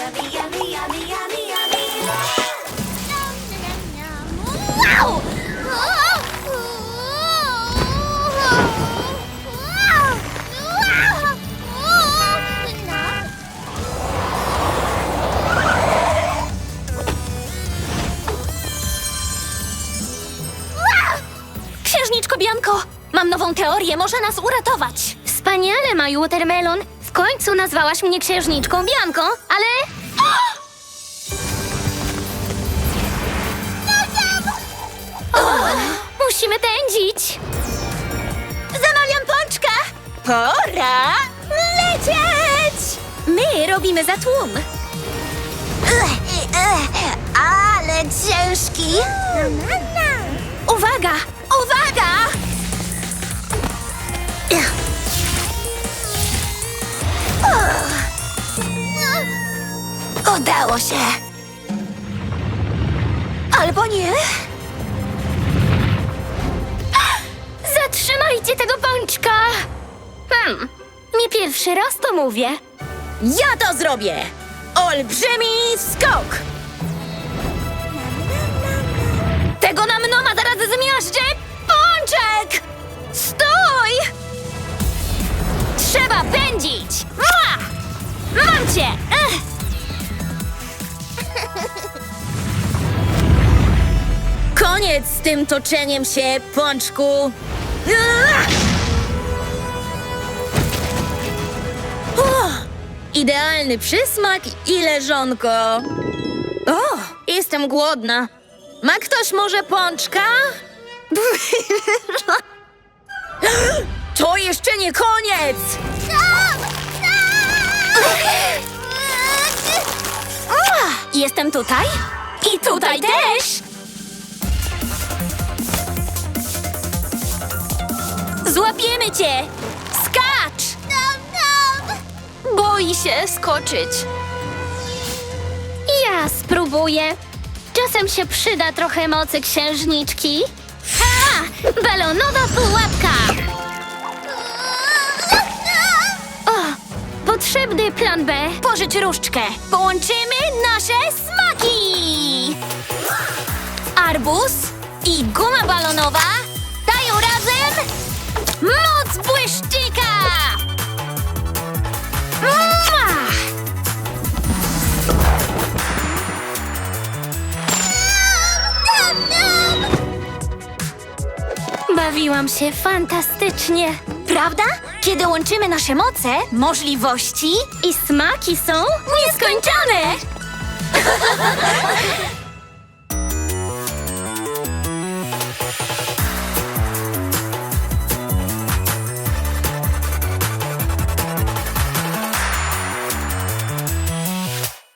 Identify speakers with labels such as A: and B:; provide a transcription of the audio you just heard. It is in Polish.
A: yummy, yummy, yummy, yummy, yummy. Wow!
B: Księżniczko Bianko, mam nową teorię, może nas uratować. Wspaniale, My Watermelon. W końcu nazwałaś mnie księżniczką Bianką, ale... Musimy pędzić. Zamawiam pączka. Pora lecieć. My robimy za tłum.
A: Ale ciężki.
B: Uwaga, uwaga!
A: Udało się. Albo nie.
B: Zatrzymajcie tego pączka! Nie pierwszy raz to mówię.
C: Ja to zrobię! Olbrzymi skok!
B: Tego nam Noma zaraz zmiażdży! Pączek! Stój! Trzeba pędzić! Mam cię!
C: Koniec z tym toczeniem się, pączku! Idealny przysmak i leżonko. O, jestem głodna. Ma ktoś może pączka? To jeszcze nie koniec!
B: Jestem tutaj i tutaj też! Złapiemy cię! Skacz! Boi się skoczyć. Ja spróbuję. Czasem się przyda trochę mocy księżniczki. Ha! Balonowa pułapka! O! Potrzebny plan B. Pożycz różdżkę. Połączymy nasze smaki! Arbuz i guma balonowa dają razem moc błyszczyka! Mua! Bawiłam się fantastycznie. Prawda? Kiedy łączymy nasze moce, możliwości i smaki są nieskończone!